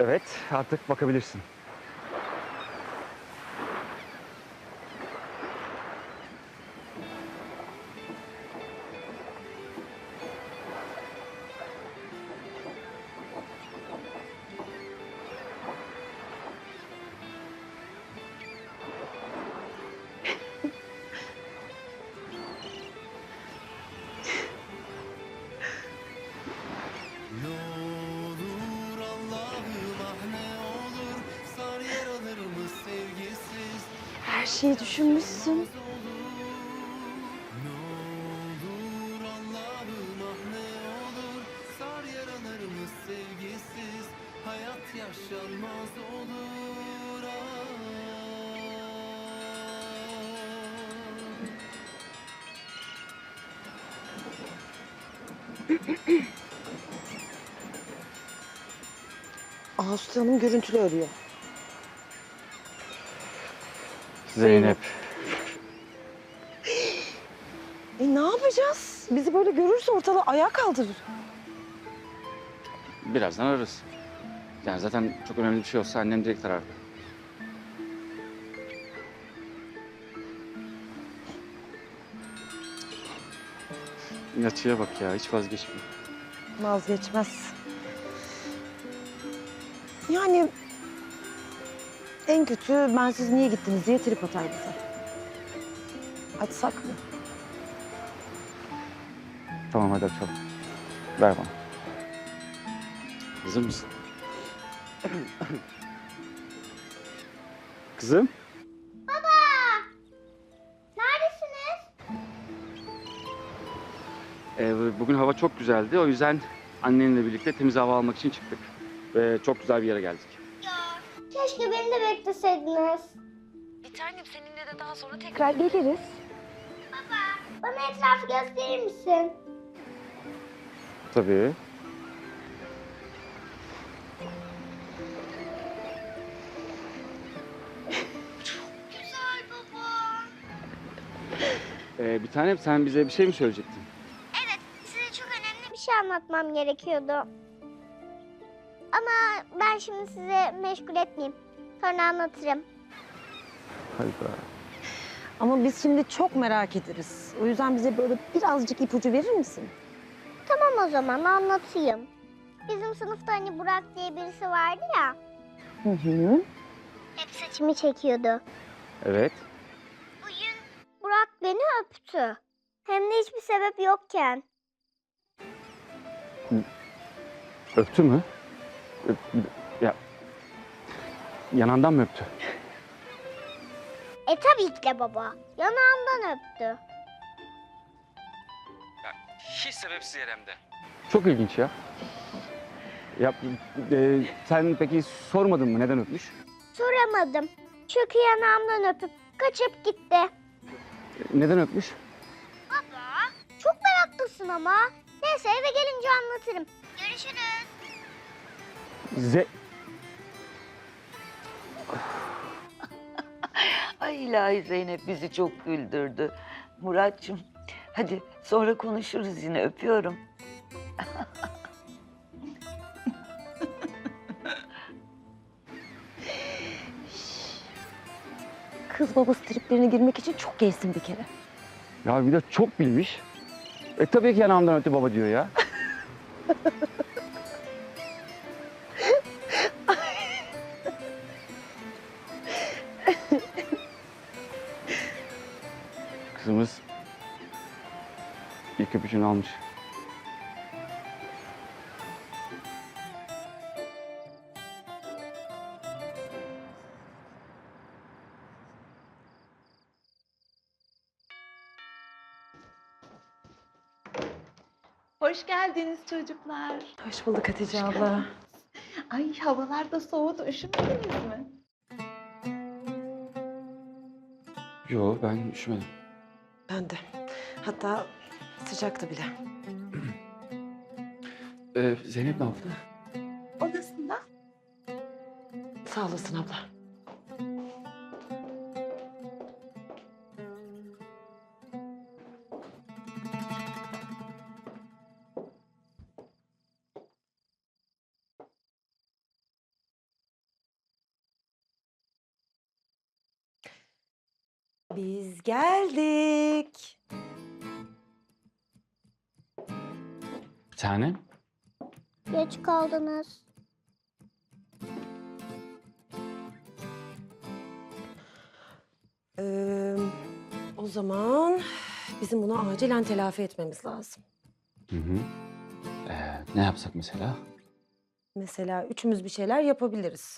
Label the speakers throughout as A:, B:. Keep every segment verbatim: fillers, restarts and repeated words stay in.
A: Evet, artık bakabilirsin.
B: Ne olur Allah'ım ah ne olur sar yaralarımı sevgisiz
C: Her
B: hayat
C: şeyi düşünmüşsün.
B: yaşanmaz olur. Ne olur Allah'ım ah ne olur sar yaralarımı sevgisiz hayat yaşanmaz olur. Ah.
C: Ağustos Hanım görüntülü arıyor.
A: Zeynep.
C: E ne yapacağız? Bizi böyle görürse ortalığı ayağa kaldırır.
A: Birazdan ararız. Yani zaten çok önemli bir şey olsa annem direkt arardı. Yatıya bak ya, hiç vazgeçmiyor.
C: Vazgeçmez. Yani en kötü ben siz niye gittiniz diye trip atar bize. Açsak mı?
A: Tamam hadi açalım. Ver bana. Hazır mısın? Kızım.
D: Neredesiniz?
A: Ee, bugün hava çok güzeldi. O yüzden annenle birlikte temiz hava almak için çıktık. Ve çok güzel bir yere geldik.
D: Ya keşke beni de bekleseydiniz.
C: Bir tanem seninle de daha sonra tekrar geliriz.
D: Bana etrafı gösterir misin?
A: Tabii.
D: Güzel baba.
A: Ee, bir tanem sen bize bir şey mi söyleyecektin?
D: Evet, size çok önemli bir şey anlatmam gerekiyordu. Ama ben şimdi sizi meşgul etmeyeyim. Sonra anlatırım.
A: Hayda.
C: Ama biz şimdi çok merak ederiz. O yüzden bize böyle birazcık ipucu verir misin?
D: Tamam o zaman anlatayım. Bizim sınıfta hani Burak diye birisi vardı ya.
C: Hı hı.
D: Hep saçımı çekiyordu.
A: Evet.
D: Bugün Burak beni öptü. Hem de hiçbir sebep yokken.
A: Öptü mü? Öp, ya yanağından mı öptü?
D: E tabii ki de baba. Yanağımdan öptü.
A: Hiç sebepsiz yeremde. Çok ilginç ya. Ya e, sen peki sormadın mı neden öpmüş?
D: Soramadım. Çünkü yanağımdan öpüp kaçıp gitti.
A: Neden öpmüş?
D: Baba, çok meraklısın ama. Neyse eve gelince anlatırım. Görüşürüz.
A: Ze
E: Ay ilahi Zeynep bizi çok güldürdü. Muratçım hadi sonra konuşuruz yine öpüyorum.
C: Kız babası triplerine girmek için çok gezsin bir kere.
A: ya bir de çok bilmiş. E tabii ki yanağımdan öptü baba diyor ya. Kızımız ilk öpücüğünü almış.
F: Hoş geldiniz çocuklar.
C: Hoş bulduk Hatice abla.
F: Ay havalar da soğudu, üşümediniz mi?
A: Yo ben üşümedim.
C: Ben de. Hatta sıcaktı bile.
A: Ee, Zeynep ne yaptı?
F: Odasında.
C: Sağ olasın abla. Biz geldik.
A: Bir tane.
D: Geç kaldınız.
C: Ee, o zaman bizim bunu acilen telafi etmemiz lazım.
A: Hı hı. Ee, ne yapsak mesela?
C: Mesela üçümüz bir şeyler yapabiliriz.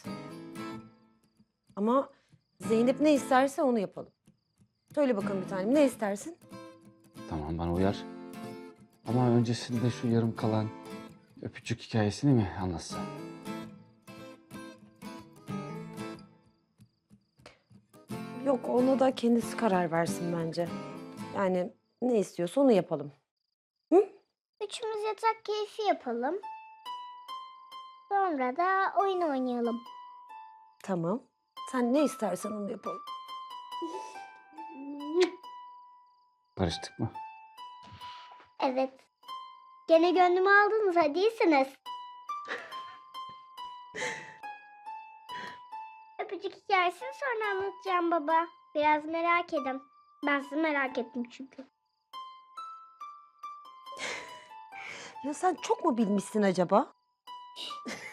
C: Ama Zeynep ne isterse onu yapalım. Söyle bakalım bir tanem, ne istersin?
A: Tamam, bana uyar. Ama öncesinde şu yarım kalan öpücük hikayesini mi anlatsa?
C: Yok, ona da kendisi karar versin bence. Yani ne istiyorsa onu yapalım.
D: Üçümüz yatak keyfi yapalım. Sonra da oyun oynayalım.
C: Tamam. Sen ne istersen onu yapalım.
A: Barıştık mı?
D: Evet. Gene gönlümü aldınız, hadi iyisiniz. Öpücük hikayesini sonra anlatacağım baba. Biraz merak edin. Ben sizi merak ettim çünkü.
C: Ya sen çok mu bilmişsin acaba?